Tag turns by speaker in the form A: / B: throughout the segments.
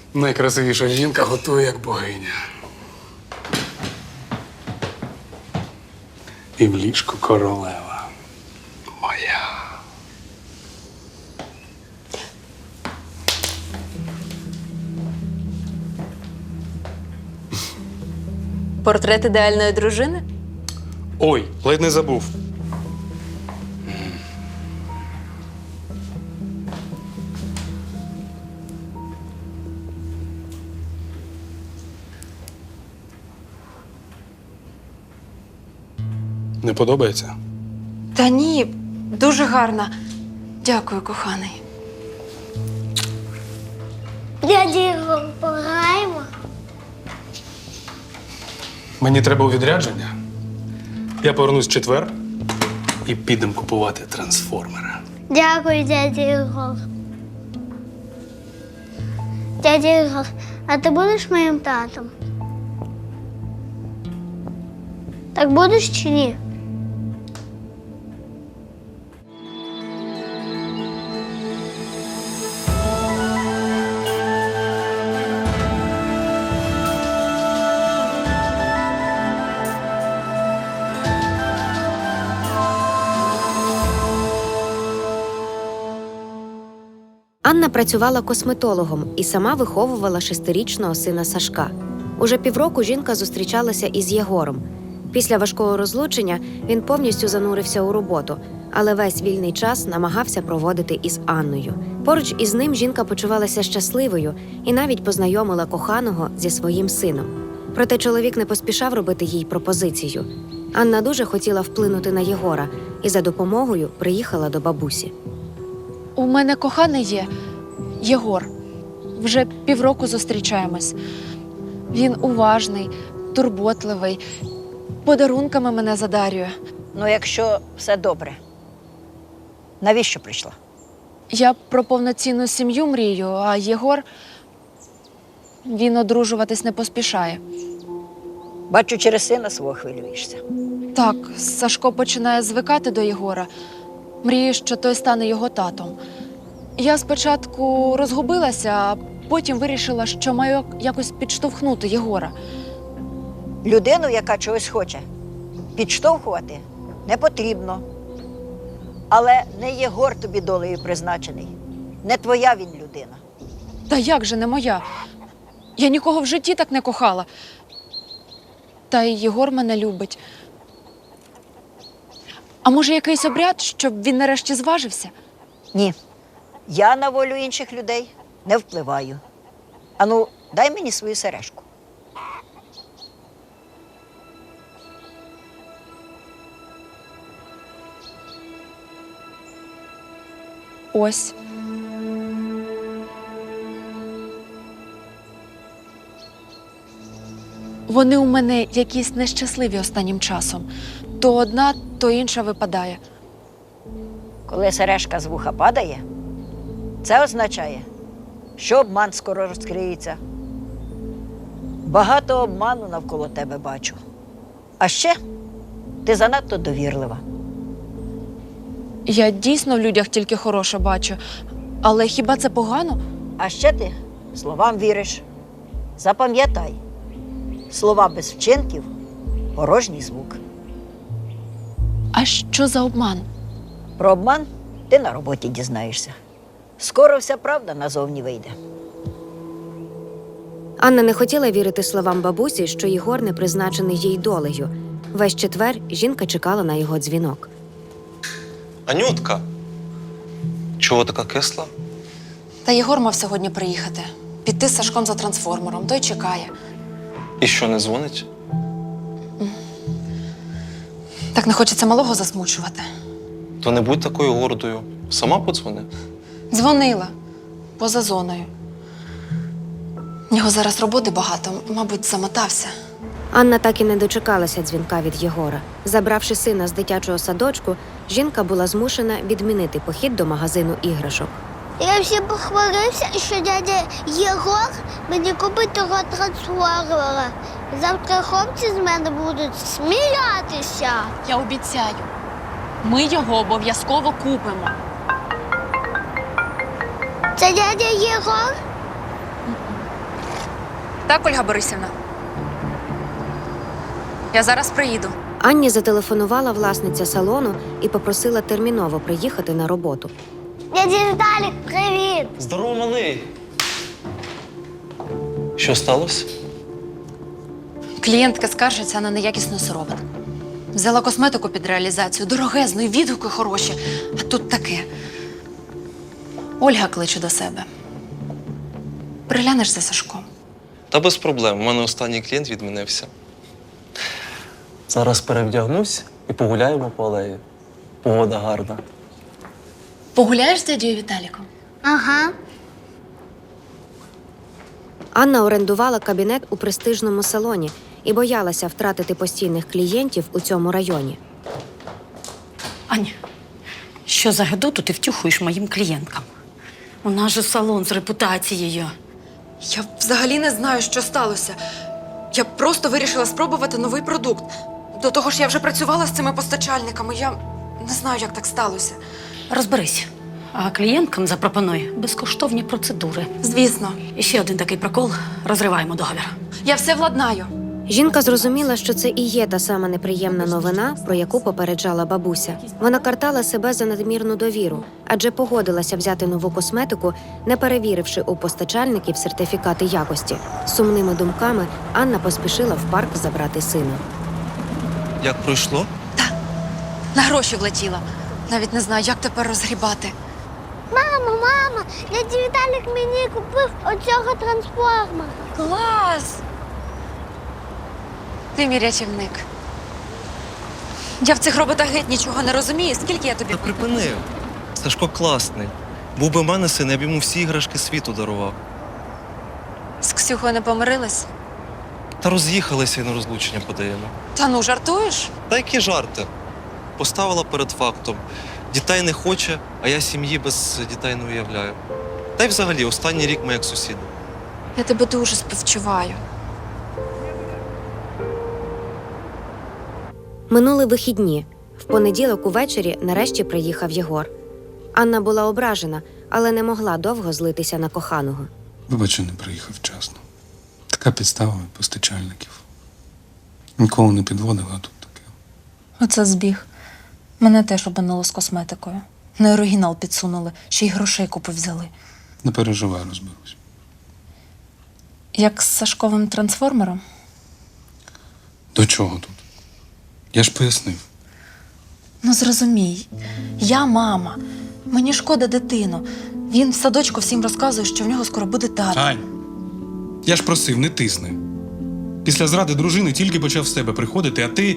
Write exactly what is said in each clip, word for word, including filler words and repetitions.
A: Найкрасивіша жінка готує, як богиня. І в ліжку королева моя.
B: Портрет ідеальної дружини?
A: Ой, ледь не забув. Не подобається?
B: Та ні, дуже гарна. Дякую, коханий.
C: Дядя Ігор, пограємо?
A: Мені треба у відрядження. Я повернусь в четвер і підемо купувати трансформера.
C: Дякую, дядя Ігор. Дядя Ігор, а ти будеш моїм татом? Так будеш чи ні?
D: Анна працювала косметологом і сама виховувала шестирічного сина Сашка. Уже півроку жінка зустрічалася із Єгором. Після важкого розлучення він повністю занурився у роботу, але весь вільний час намагався проводити із Анною. Поруч із ним жінка почувалася щасливою і навіть познайомила коханого зі своїм сином. Проте чоловік не поспішав робити їй пропозицію. Анна дуже хотіла вплинути на Єгора і за допомогою приїхала до бабусі.
B: У мене коханий є Єгор. Вже півроку зустрічаємось. Він уважний, турботливий, подарунками мене задарює.
E: Ну, якщо все добре, навіщо прийшла?
B: Я про повноцінну сім'ю мрію, а Єгор, він одружуватись не поспішає.
E: Бачу, через сина свого хвилюєшся.
B: Так, Сашко починає звикати до Єгора. Мріє, що той стане його татом. Я спочатку розгубилася, а потім вирішила, що маю якось підштовхнути Єгора.
E: Людину, яка чогось хоче, підштовхувати не потрібно. Але не Єгор тобі долею призначений. Не твоя він людина.
B: Та як же не моя? Я нікого в житті так не кохала. Та й Єгор мене любить. А може, якийсь обряд, щоб він нарешті зважився?
E: Ні. Я на волю інших людей не впливаю. Ану, дай мені свою сережку.
B: Ось. Вони у мене якісь нещасливі останнім часом. То одна, то інша випадає.
E: Коли сережка з вуха падає, це означає, що обман скоро розкриється. Багато обману навколо тебе бачу. А ще ти занадто довірлива.
B: Я дійсно в людях тільки хороше бачу. Але хіба це погано?
E: А ще ти словам віриш. Запам'ятай, слова без вчинків – порожній звук.
B: А що за обман?
E: Про обман ти на роботі дізнаєшся. Скоро вся правда назовні вийде.
D: Анна не хотіла вірити словам бабусі, що Єгор не призначений їй долею. Весь четвер жінка чекала на його дзвінок.
F: Анютка, чого така кисла?
B: Та Єгор мав сьогодні приїхати. Піти з Сашком за трансформером. Той чекає.
F: І що, не дзвонить?
B: Так не хочеться малого засмучувати.
F: То не будь такою гордою. Сама подзвони.
B: Дзвонила. Поза зоною. В нього зараз роботи багато. Мабуть, замотався.
D: Анна так і не дочекалася дзвінка від Єгора. Забравши сина з дитячого садочку, жінка була змушена відмінити похід до магазину іграшок.
C: Я всім похвалився, що дядя Єгор мені купить того трансформера. Завтра хлопці з мене будуть сміятися.
B: Я обіцяю. Ми його обов'язково купимо.
C: Це дядя Єгор?
B: Так, Ольга Борисівна? Я зараз приїду.
D: Анні зателефонувала власниця салону і попросила терміново приїхати на роботу.
C: Дядя Віталік, привіт!
F: Здорово, малий! Що сталося?
B: Клієнтка скаржиться на неякісну сировину. Взяла косметику під реалізацію, дорогезну, і відгуки хороші. А тут таке. Ольга кличе до себе. Приглянеш за Сашком.
F: Та без проблем. У мене останній клієнт відмінився. Зараз перевдягнусь і погуляємо по алеї. Погода гарна.
B: Погуляєш з дядьою Віталіком?
C: Ага.
D: Анна орендувала кабінет у престижному салоні і боялася втратити постійних клієнтів у цьому районі.
G: Аня, що за гидоту ти втюхуєш моїм клієнткам? У нас же салон з репутацією.
B: Я взагалі не знаю, що сталося. Я просто вирішила спробувати новий продукт. До того ж, я вже працювала з цими постачальниками. Я не знаю, як так сталося.
G: Розберись. А клієнткам запропонуй безкоштовні процедури.
B: Звісно,
G: І ще один такий прокол – розриваємо договір.
B: я все владнаю.
D: Жінка зрозуміла, що це і є та сама неприємна новина, про яку попереджала бабуся. Вона картала себе за надмірну довіру, адже погодилася взяти нову косметику, не перевіривши у постачальників сертифікати якості. З сумними думками Анна поспішила в парк забрати сина.
F: Як пройшло?
B: На гроші влетіла. Навіть не знаю, як тепер розгрібати.
C: Мамо, мама, дядя Віталік мені купив оцього трансформера.
B: Клас! Ти мій рятівник. Я в цих роботах геть нічого не розумію. Скільки я тобі?
F: Та припини. Сашко класний. Був би в мене син, я б йому всі іграшки світу дарував.
B: З Ксюхою не помирились?
F: Та роз'їхалися і на розлучення подаємо.
B: Та ну, жартуєш?
F: Та які жарти? Поставила перед фактом. Дітей не хоче, а я сім'ї без дітей не уявляю. Та й взагалі, останній рік ми як сусіди.
B: Я тебе дуже співчуваю.
D: Минули вихідні. В понеділок увечері нарешті приїхав Єгор. Анна була ображена, але не могла довго злитися на коханого.
A: Вибач, що не приїхав вчасно. Така підстава від постачальників. Ніколи не підводила, а тут таке.
B: Оце збіг. Мене теж обманули з косметикою. На оригінал підсунули, ще й грошей купу взяли.
A: Не переживай, розберусь.
B: Як з Сашковим трансформером?
A: До чого тут? Я ж пояснив.
B: Ну зрозумій, я мама. Мені шкода дитину. Він в садочку всім розказує, що в нього скоро буде тато.
A: Ань, я ж просив, не тисни. Після зради дружини тільки почав в себе приходити, а ти.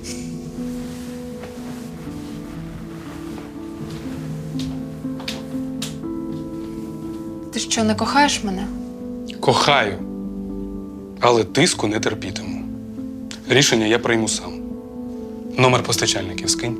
B: Ти що, не кохаєш мене?
A: Кохаю, але тиску не терпітиму. Рішення я прийму сам. Номер постачальників скинь.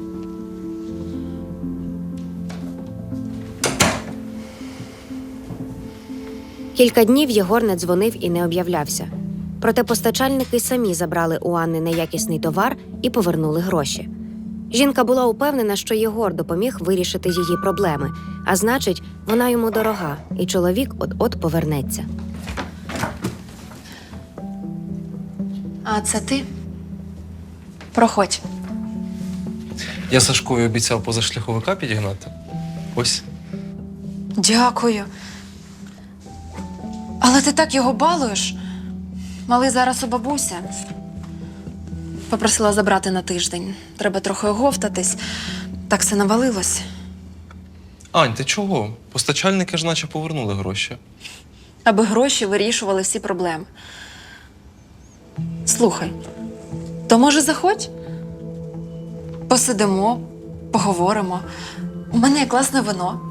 D: Кілька днів Єгор не дзвонив і не об'являвся. Проте постачальники самі забрали у Анни неякісний товар і повернули гроші. Жінка була упевнена, що Єгор допоміг вирішити її проблеми, а значить, вона йому дорога, і чоловік от-от повернеться.
B: А це ти? Проходь.
F: Я Сашкові обіцяв позашляховика підігнати. Ось.
B: Дякую. Але ти так його балуєш. Малий зараз у бабуся. Попросила забрати на тиждень. Треба трохи оговтатись. Так все навалилось.
F: Ань, ти чого? Постачальники ж наче повернули гроші.
B: Аби гроші вирішували всі проблеми. Слухай, то може заходь? Посидимо, поговоримо. У мене є класне вино.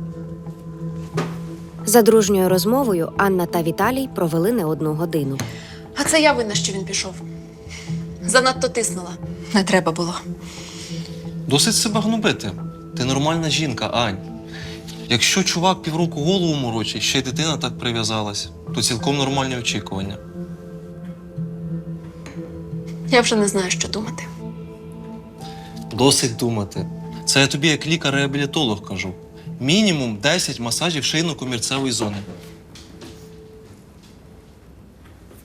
D: За дружньою розмовою Анна та Віталій провели не одну годину.
B: А це я винна, що він пішов. Занадто тиснула. Не треба було.
F: Досить себе гнобити. Ти нормальна жінка, Ань. Якщо чувак півроку голову морочить, ще й дитина так прив'язалась, то цілком нормальні очікування.
B: Я вже не знаю, що думати.
F: Досить думати. Це я тобі як лікар-реабілітолог кажу. Мінімум десять масажів шийно-комірцевої зони.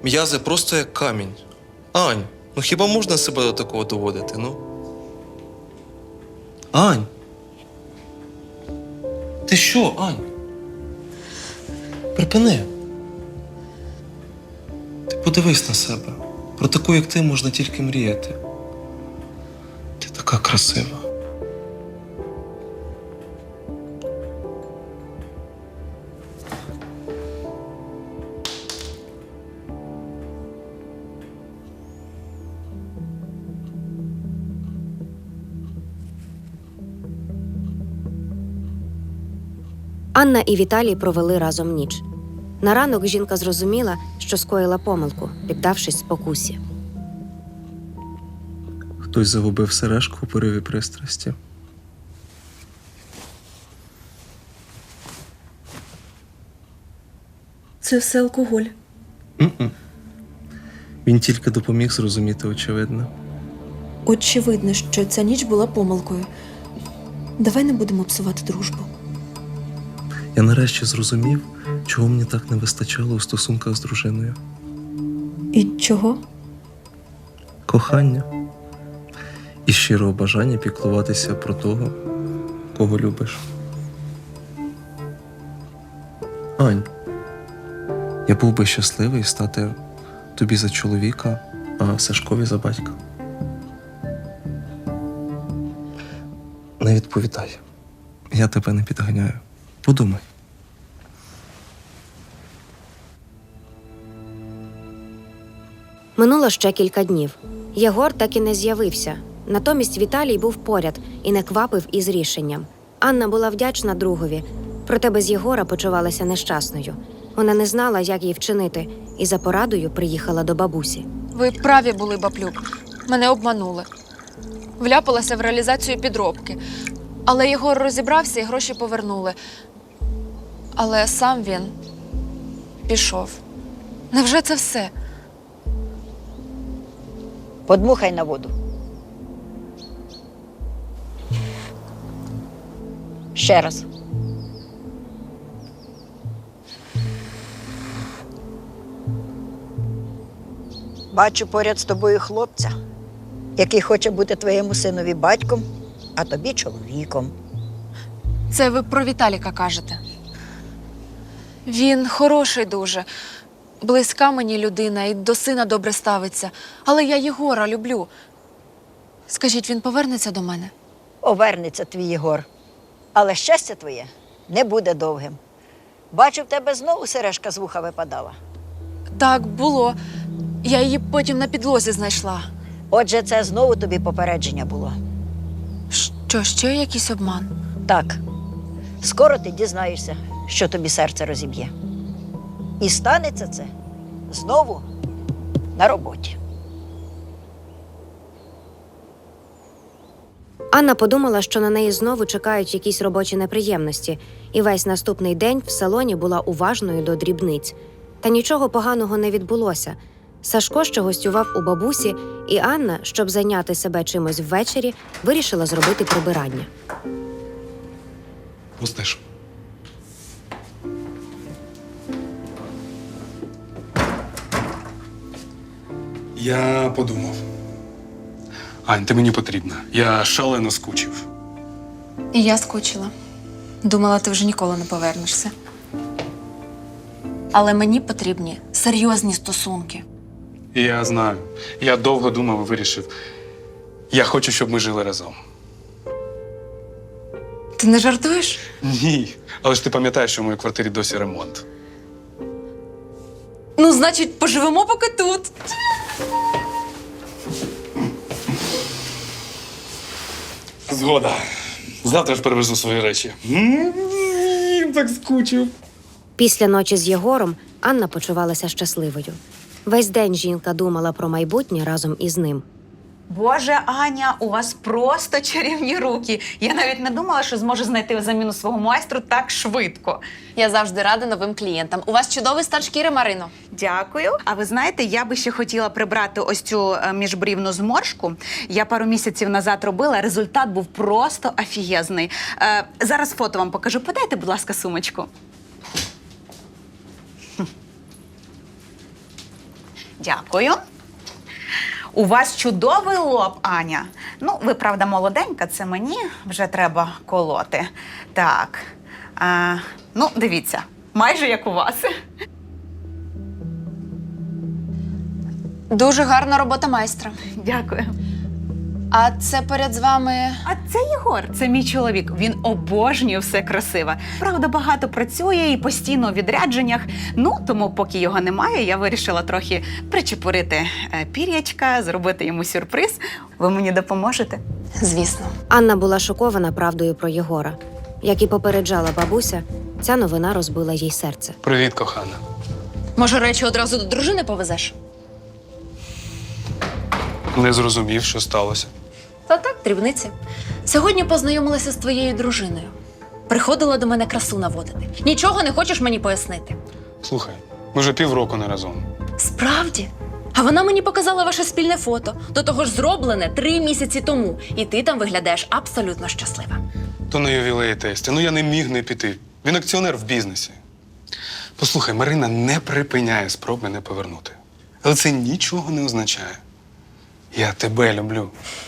F: М'язи просто як камінь. Ань, ну хіба можна себе до такого доводити, ну? Ань! Ти що, Ань? Припини. Ти подивись на себе. Про таку, як ти, можна тільки мріяти. Ти така красива.
D: Анна і Віталій провели разом ніч. На ранок жінка зрозуміла, що скоїла помилку, піддавшись спокусі.
F: Хтось загубив сережку у пориві пристрасті.
H: Це все алкоголь.
F: М-м. Він тільки допоміг зрозуміти очевидне.
H: Очевидно, що ця ніч була помилкою. Давай не будемо псувати дружбу.
F: Я нарешті зрозумів, чого мені так не вистачало у стосунках з дружиною.
H: І чого?
F: Кохання. І щирого бажання піклуватися про того, кого любиш. Ань, я був би щасливий стати тобі за чоловіка, а Сашкові за батька. Не відповідай. Я тебе не підганяю. Подумай.
D: Минуло ще кілька днів. Єгор так і не з'явився. Натомість Віталій був поряд і не квапив із рішенням. Анна була вдячна другові, проте без Єгора почувалася нещасною. Вона не знала, як їй вчинити, і за порадою приїхала до бабусі.
B: Ви праві були, баблюк. Мене обманули. Вляпалася в реалізацію підробки. Але Єгор розібрався і гроші повернули. Але сам він пішов. Невже це все?
E: Подмухай на воду. Ще раз. Бачу поряд з тобою хлопця, який хоче бути твоєму синові батьком, а тобі чоловіком.
B: Це ви про Віталіка кажете. Він хороший дуже. Близька мені людина і до сина добре ставиться. Але я Єгора люблю. Скажіть, він повернеться до мене?
E: Повернеться твій Єгор. Але щастя твоє не буде довгим. Бачу, в тебе знову сережка з вуха випадала.
B: Так, було. Я її потім на підлозі знайшла.
E: Отже, це знову тобі попередження було.
B: Що, ще якийсь обман?
E: Так, скоро ти дізнаєшся, що тобі серце розіб'є. І станеться це знову на роботі.
D: Анна подумала, що на неї знову чекають якісь робочі неприємності, і весь наступний день в салоні була уважною до дрібниць. Та нічого поганого не відбулося. Сашко ще гостював у бабусі, і Анна, щоб зайняти себе чимось ввечері, вирішила зробити прибирання.
A: Пустиш. Я подумав. Ань, ти мені потрібна. Я шалено скучив.
B: І я скучила. Думала, ти вже ніколи не повернешся. Але мені потрібні серйозні стосунки.
A: Я знаю. Я довго думав і вирішив. Я хочу, щоб ми жили разом.
B: Ти не жартуєш?
A: Ні. Але ж ти пам'ятаєш, що в моїй квартирі досі ремонт.
B: Ну, значить, поживемо поки тут.
A: Згода. Завтра ж перевезу свої речі. М, Так скучив.
D: Після ночі з Єгором Анна почувалася щасливою. Весь день жінка думала про майбутнє разом із ним.
I: Боже, Аня, у вас просто чарівні руки. Я навіть не думала, що зможу знайти заміну свого майстру так швидко.
B: Я завжди рада новим клієнтам. У вас чудовий стан шкіри, Марино.
I: Дякую. А ви знаєте, я би ще хотіла прибрати ось цю е, міжбрівну зморшку. Я пару місяців назад робила, результат був просто офігезний. Е, зараз фото вам покажу. Подайте, будь ласка, сумочку. Дякую. У вас чудовий лоб, Аня. Ну, ви, правда, молоденька, це мені вже треба колоти. Так. А, ну, дивіться, майже як у вас.
B: Дуже гарна робота майстра.
I: Дякую.
B: А це поряд з вами.
I: А це Єгор, це мій чоловік. Він обожнює все красиве. Правда, багато працює і постійно у відрядженнях. Ну, тому поки його немає, я вирішила трохи причепурити е, пір'ячка, зробити йому сюрприз. Ви мені допоможете?
B: Звісно.
D: Анна була шокована правдою про Єгора. Як і попереджала бабуся, ця новина розбила їй серце.
A: Привіт, кохана.
B: Може, речі одразу до дружини повезеш?
A: Не зрозумів, що сталося.
B: Та так, дрібниці. Сьогодні познайомилася з твоєю дружиною. Приходила до мене красу наводити. Нічого не хочеш мені пояснити?
A: Слухай, ми вже півроку не разом.
B: Справді? А вона мені показала ваше спільне фото. До того ж зроблене три місяці тому. І ти там виглядаєш абсолютно щаслива.
A: То на ювілеї тесті. Ну я не міг не піти. Він акціонер в бізнесі. Послухай, Марина не припиняє спроб мене повернути. Але це нічого не означає. Я тебе люблю.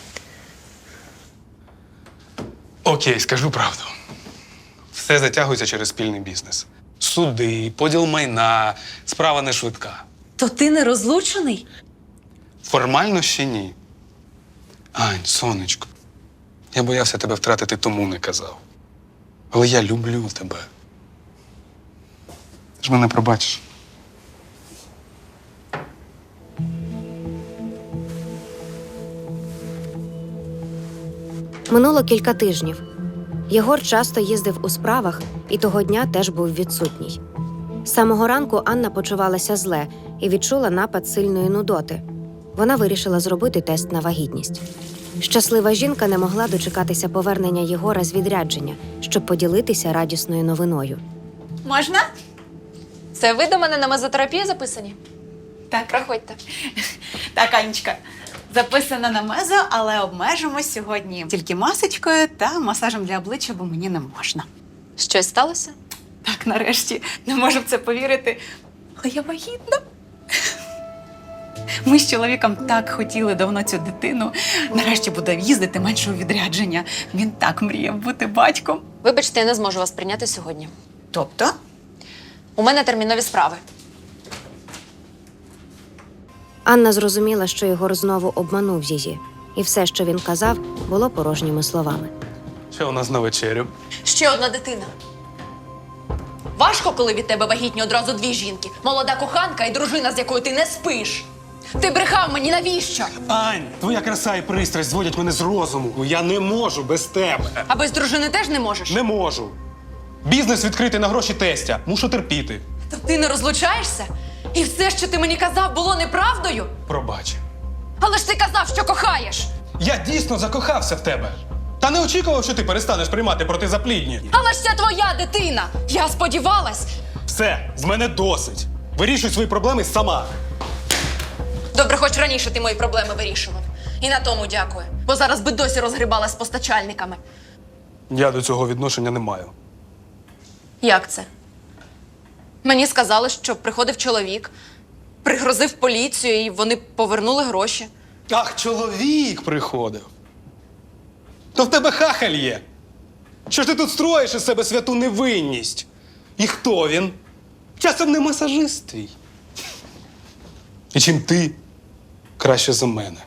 A: Окей, скажу правду. Все затягується через спільний бізнес. Суди, поділ майна, справа не швидка.
B: То ти не розлучений?
A: Формально ще ні. Ань, сонечко, я боявся тебе втратити, тому не казав. Але я люблю тебе. Ти ж мене пробачиш.
D: Минуло кілька тижнів. Єгор часто їздив у справах і того дня теж був відсутній. З самого ранку Анна почувалася зле і відчула напад сильної нудоти. Вона вирішила зробити тест на вагітність. Щаслива жінка не могла дочекатися повернення Єгора з відрядження, щоб поділитися радісною новиною.
I: Можна?
B: Це ви до мене на мезотерапію записані?
I: Так.
B: Проходьте.
I: Так, Анечка, записана на мезо, але обмежимось сьогодні тільки масочкою та масажем для обличчя, бо мені не можна.
B: Щось сталося?
I: Так, нарешті, не можу в це повірити, але я вагітна. Ми з чоловіком так хотіли давно цю дитину. Нарешті буде їздити менше у відрядження. Він так мріяв бути батьком.
B: Вибачте, я не зможу вас прийняти сьогодні.
I: Тобто?
B: У мене термінові справи.
D: Анна зрозуміла, що Єгор знову обманув її, і все, що він казав, було порожніми словами.
A: Що у нас на вечерю?
B: Ще одна дитина. Важко, коли від тебе вагітні одразу дві жінки. Молода коханка і дружина, з якою ти не спиш. Ти брехав мені, навіщо?
A: Ань, твоя краса і пристрасть зводять мене з розуму. Я не можу без тебе.
B: А без дружини теж не можеш?
A: Не можу. Бізнес відкритий на гроші тестя. Мушу терпіти.
B: То ти не розлучаєшся? І все, що ти мені казав, було неправдою?
A: Пробач.
B: Але ж ти казав, що кохаєш!
A: Я дійсно закохався в тебе. Та не очікував, що ти перестанеш приймати протизаплідні.
B: Але ж це твоя дитина! Я сподівалась!
A: Все, з мене досить. Вирішуй свої проблеми сама.
B: Добре, хоч раніше ти мої проблеми вирішував. І на тому дякую. Бо зараз би досі розгрібала з постачальниками.
A: Я до цього відношення не маю.
B: Як це? Мені сказали, що приходив чоловік, пригрозив поліцію, і вони повернули гроші.
A: Ах, чоловік приходив. То в тебе хахаль є. Що ж ти тут строїш із себе святу невинність? І хто він? Часом не масажист твій. І чим ти краще за мене?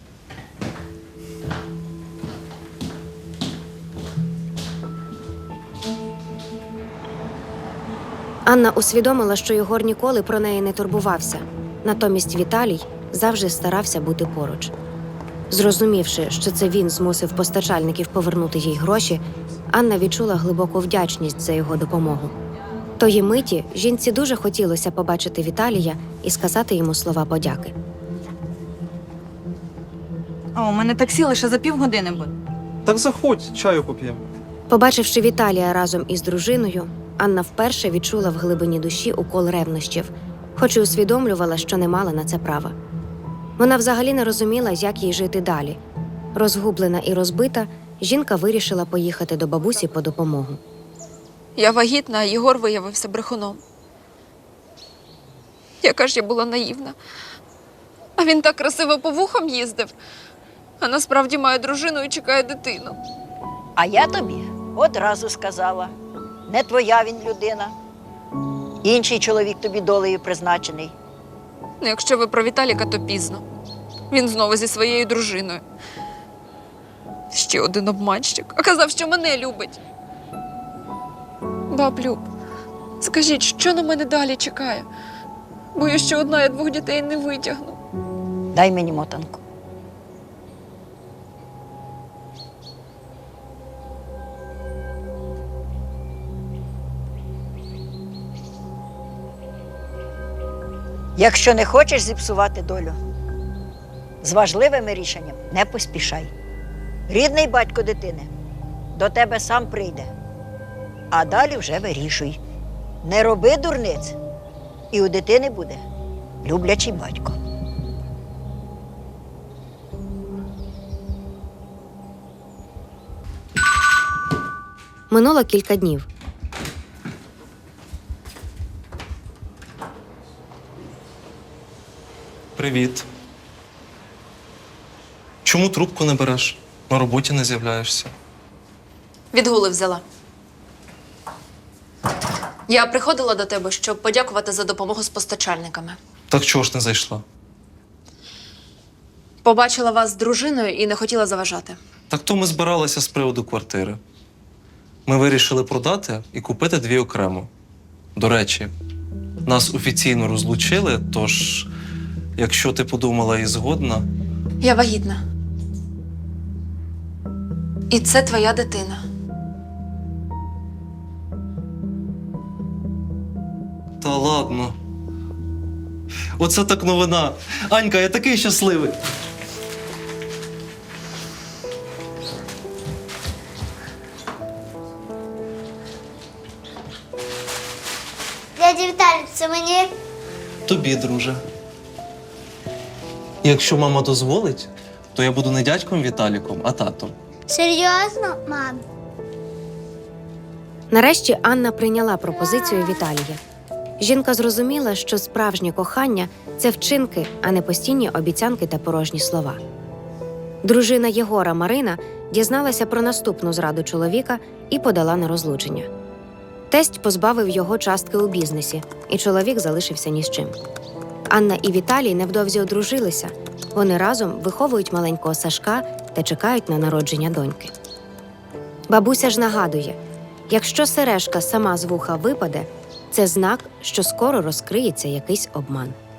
D: Анна усвідомила, що Єгор ніколи про неї не турбувався. Натомість Віталій завжди старався бути поруч. Зрозумівши, що це він змусив постачальників повернути їй гроші, Анна відчула глибоку вдячність за його допомогу. Тої миті жінці дуже хотілося побачити Віталія і сказати йому слова подяки.
J: О, у мене таксі лише за півгодини буде.
F: Так заходь, чаю поп'ємо.
D: Побачивши Віталія разом із дружиною, Анна вперше відчула в глибині душі укол ревнощів, хоч і усвідомлювала, що не мала на це права. Вона взагалі не розуміла, як їй жити далі. Розгублена і розбита, жінка вирішила поїхати до бабусі по допомогу.
B: Я вагітна, а Єгор виявився брехуном. Яка ж я була наївна. А він так красиво по вухам їздив, а насправді має дружину і чекає дитину.
E: А я тобі одразу сказала, не твоя він людина. Інший чоловік тобі долею призначений.
B: Ну, якщо ви про Віталіка, то пізно. Він знову зі своєю дружиною. Ще один обманщик. А казав, що мене любить. Баб Люб, скажіть, що на мене далі чекає? Боюсь, що одна я двох дітей не витягну.
E: Дай мені мотанку. Якщо не хочеш зіпсувати долю, з важливими рішенням не поспішай. Рідний батько дитини до тебе сам прийде, а далі вже вирішуй. Не роби дурниць, і у дитини буде люблячий батько.
D: Минуло кілька днів.
F: Привіт. Чому трубку не береш? На роботі не з'являєшся.
B: Відгули взяла. Я приходила до тебе, щоб подякувати за допомогу з постачальниками.
F: Так чого ж не зайшла?
B: Побачила вас з дружиною і не хотіла заважати.
F: Так то ми збиралися з приводу квартири. Ми вирішили продати і купити дві окремо. До речі, нас офіційно розлучили, тож, якщо ти подумала і згодна,
B: Я вагітна. І це твоя дитина.
F: та ладно. Оце так новина. Анька, я такий щасливий.
C: Дядя Віталій, це мені?
F: Тобі, друже. Якщо мама дозволить, то я буду не дядьком Віталіком, а татом.
C: Серйозно, мам?
D: Нарешті Анна прийняла пропозицію Віталія. Жінка зрозуміла, що справжнє кохання – це вчинки, а не постійні обіцянки та порожні слова. Дружина Єгора Марина дізналася про наступну зраду чоловіка і подала на розлучення. Тесть позбавив його частки у бізнесі, і чоловік залишився ні з чим. Анна і Віталій невдовзі одружилися. Вони разом виховують маленького Сашка та чекають на народження доньки. Бабуся ж нагадує, якщо сережка сама з вуха випаде, це знак, що скоро розкриється якийсь обман.